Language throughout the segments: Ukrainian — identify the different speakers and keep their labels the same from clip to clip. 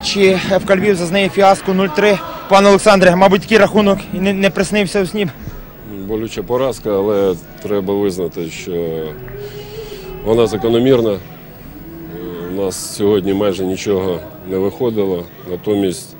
Speaker 1: Чи ФК Львів зазнає фіаско 0-3? Пане Олександре, мабуть, такий рахунок і не приснився у сні.
Speaker 2: Болюча поразка, але треба визнати, що вона закономірна. У нас сьогодні майже нічого не виходило, натомість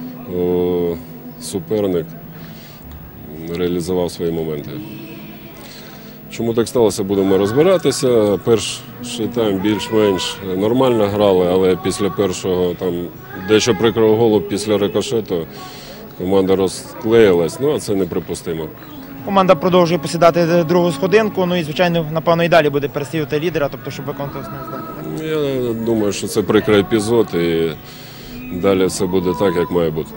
Speaker 2: суперник реалізував свої моменти. Чому так сталося, будемо розбиратися. Перший тайм більш-менш нормально грали, але після першого дещо прикрого голу після рикошету команда розклеїлась, а це неприпустимо.
Speaker 1: Команда продовжує посідати другу сходинку, і, звичайно, напевно, і далі буде переслідувати лідера, тобто, щоб виконати основне завдання.
Speaker 2: Я думаю, що це прикрий епізод і далі все буде так, як має бути.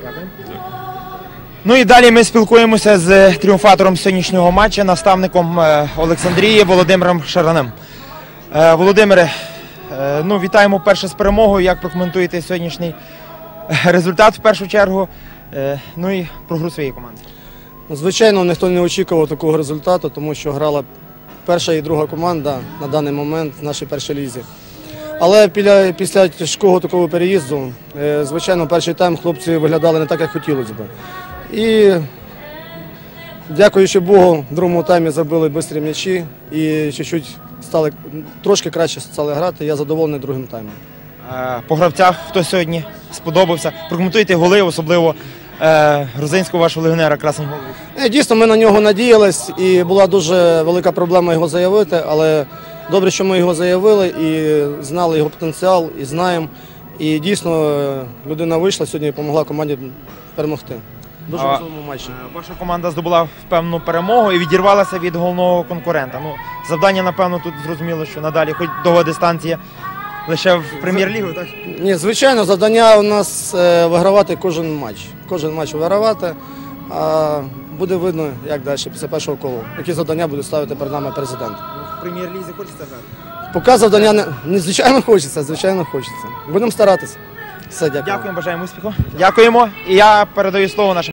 Speaker 1: І далі ми спілкуємося з тріумфатором сьогоднішнього матчу, наставником Олександрії Володимиром Шараним. Володимире, вітаємо вперше з перемогою. Як прокоментуєте сьогоднішній результат в першу чергу, і про гру своєї команди?
Speaker 3: Звичайно, ніхто не очікував такого результату, тому що грала перша і друга команда на даний момент в нашій першій лізі. Але після тяжкого такого переїзду, звичайно, перший тайм хлопці виглядали не так, як хотілося б. І, дякуючи Богу, в другому таймі забили швидкі м'ячі і трошки краще стали грати. Я задоволений другим таймом.
Speaker 1: По гравцях хто сьогодні сподобався? Прокоментуйте голи, особливо грузинського вашого легіонера Красень Голуб.
Speaker 3: Дійсно, ми на нього надіялись і була дуже велика проблема його заявити, але добре, що ми його заявили і знали його потенціал, і знаємо. І дійсно людина вийшла сьогодні і допомогла команді перемогти. Дуже важливому матчі.
Speaker 1: Ваша команда здобула певну перемогу і відірвалася від головного конкурента. Завдання, напевно, тут зрозуміло, що надалі, хоч довга дистанція, лише в прем'єр-лігу, так?
Speaker 3: Ні, звичайно, завдання у нас вигравати кожен матч. Кожен матч вигравати, а буде видно, як далі, після першого кола. Які завдання буде ставити перед нами президент.
Speaker 1: В прем'єр-лізі хочеться грати?
Speaker 3: Поки завдання звичайно хочеться. Будемо старатися. Все, дякую.
Speaker 1: Дякуємо, бажаємо успіху. Дякуємо. І я передаю слово нашим.